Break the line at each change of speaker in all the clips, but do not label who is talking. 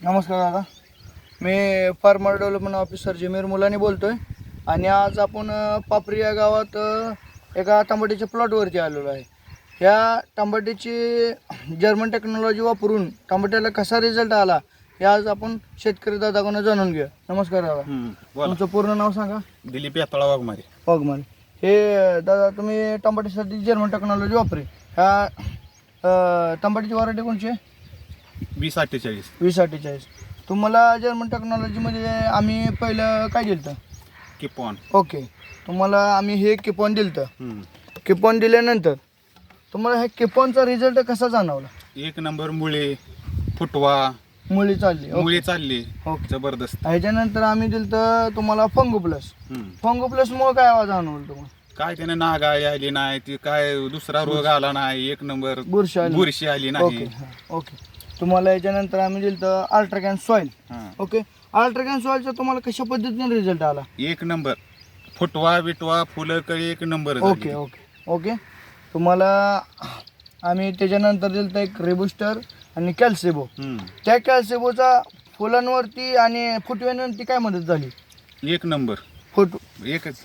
नमस्कार दादा, मी farmer development officer Jamir Mulani बोलतो आहे. आणि आज आपण पापरी या गावात एका टमाट्याच्या प्लॉटवरती आलेलो आहे. ह्या टमाट्याची जर्मन टेक्नॉलॉजी वापरून टमाट्याला कसा रिझल्ट आला हे आज आपण शेतकरी दादाकडून जाणून घेऊया. नमस्कार दादा, तुमचं पूर्ण नाव सांगा.
दिलीप यातळा वाघमारे.
वाघमारे. हे दादा तुम्ही टमाट्यासाठी जर्मन टेक्नॉलॉजी वापरी. ह्या टमाट्याची व्हरायटी कोणची आहे?
2048.
2048. तुम्हाला जर्मन टेक्नॉलॉजीमध्ये आम्ही पहिलं काय दिलं होतं?
किपॉन.
ओके, तुम्हाला आम्ही हे किपॉन दिलं होतं. किपॉन दिल्यानंतर तुम्हाला हे किपॉनचा रिझल्ट कसा जाणवला?
एक नंबर मुळे, फुटवा,
मुळी चालली.
मुळे चालली.
ओके.
जबरदस्त.
ह्याच्यानंतर आम्ही दिलं तर तुम्हाला फंगो प्लस. फंगो प्लसमुळे काय आवाज जाणवलं तुम्हाला?
काय त्याने नागाळी आली नाही, ती काय दुसरा रोग आला नाही, एक नंबर
बुरशी आली.
बुरशी आली
ओके
नाही.
ओके. तुम्हाला याच्यानंतर आम्ही दिलं तर अल्ट्राकॅन सॉईल.
हा.
ओके, अल्ट्राकॅन सॉईलचा तुम्हाला कशा पद्धतीने रिझल्ट आला?
एक नंबर फुटवा बिटवा फुलं कळी एक नंबर.
Okay okay okay. तुम्हाला आम्ही त्याच्यानंतर दिलं तर एक रेबुस्टर आणि कॅल्सेबो. त्या कॅल्सेबोचा फुलांवरती आणि फुटव्यांवरती काय मदत झाली?
एक नंबर. एकच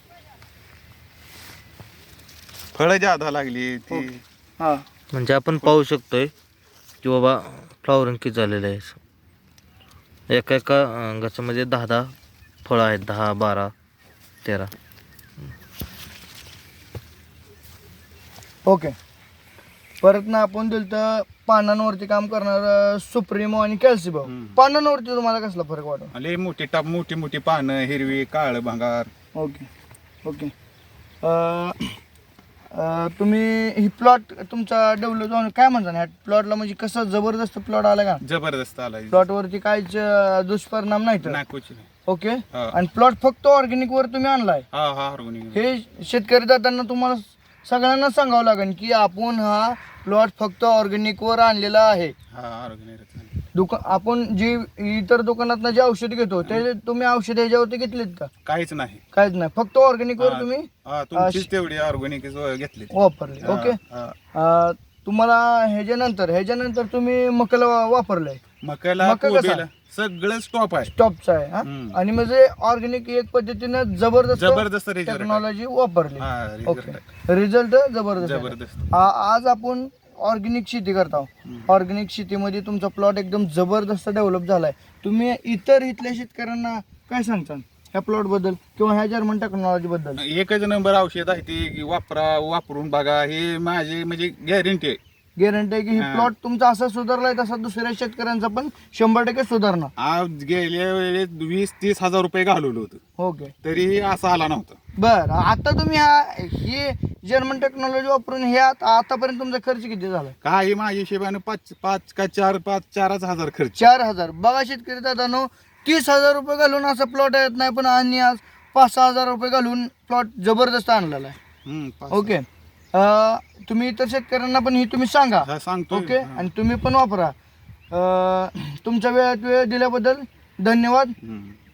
फळं जादा लागली ती.
हां,
म्हणजे आपण पाहू शकतोय की बाबा फ्लॉवरिंग किती झालेलं आहे. एका एका गचामध्ये 10 फळं आहेत, 10, 12, 13.
ओके. परत ना आपण दिलं तर पानांवरती काम करणार सुप्रीमो आणि कॅल्सिबो. पानांवरती तुम्हाला कसला फरक वाटतो?
लय मोठी टाप, मोठी मोठी पानं, हिरवी काळ भंगार.
Okay okay. तुम्ही ही प्लॉट तुमचा डेव्हलप जाऊन काय म्हणता ह्या प्लॉटला, म्हणजे कसं जबरदस्त प्लॉट आला का?
जबरदस्त आला.
प्लॉटवरती काहीच दुष्परिणाम नाही तर?
नाकोची.
ओके.
हा.
आणि प्लॉट फक्त ऑर्गॅनिक वर तुम्ही आणलाय.
हा हा ऑर्गॅनिक.
हे शेतकरी दादांना तुम्हाला सगळ्यांना सांगावं लागेल की आपण हा प्लॉट फक्त ऑर्गॅनिक वर आणलेला आहे.
हा ऑर्गॅनिक.
आपण जी इतर दुकानात जे औषध घेतो ते तुम्ही औषध ह्याच्यावरती घेतलेत का?
काहीच नाही.
काहीच नाही, फक्त ऑर्गॅनिक वर तुम्ही
हा तुमचीच तेवढी ऑर्गॅनिक घेतली.
वापरले. ओके. तुम्हाला ह्याच्यानंतर तुम्ही मकाला वापरलंय.
मकाला
मका कसा?
कोबीला सगळं स्टॉप आहे.
स्टॉपचा आहे. हा? आणि म्हणजे ऑर्गॅनिक एक पद्धतीनं जबरदस्त
जबरदस्त result आहे.
टेक्नॉलॉजी वापरली.
हा, result
ओके,
आहे.
रिझल्ट जबरदस्त आहे.
जबरदस्त.
आज आपण ऑर्गॅनिक शेती करता. ऑर्गॅनिक शेतीमध्ये तुमचा प्लॉट एकदम जबरदस्त डेव्हलप झालाय. तुम्ही इथल्या शेतकऱ्यांना काय सांगता ह्या प्लॉट बद्दल किंवा ह्या जर्मन टेक्नॉलॉजी बद्दल?
एकच नंबर औषध आहे ते की वापरून बघा. हे माझे म्हणजे गॅरंटी आहे.
गॅरंटी आहे की हे प्लॉट तुमचा असा सुधारलाय तसा दुसऱ्या शेतकऱ्यांचा पण 100% सुधारणार.
आज गेल्या वेळेस 20-30 हजार रुपये घालवलं होतं,
ओके.
तरीही असं आला नव्हता.
बर, आता तुम्ही हे जर्मन टेक्नॉलॉजी वापरून हे आतापर्यंत तुमचा खर्च किती झाला?
काही माझ्या हिशेबाने 5 का 4 हजार खर्च.
4,000. बघा शेतकरी दादांनो, 30,000 रुपये घालून असा प्लॉट येत नाही, पण आणि आज 5-6 हजार रुपये घालून प्लॉट जबरदस्त आणलेला आहे. ओके. तुम्ही इतर शेतकऱ्यांना पण ही तुम्ही सांगा.
हा, सांगतो.
ओके. आणि तुम्ही पण वापरा. तुमच्या वेळ दिल्याबद्दल धन्यवाद.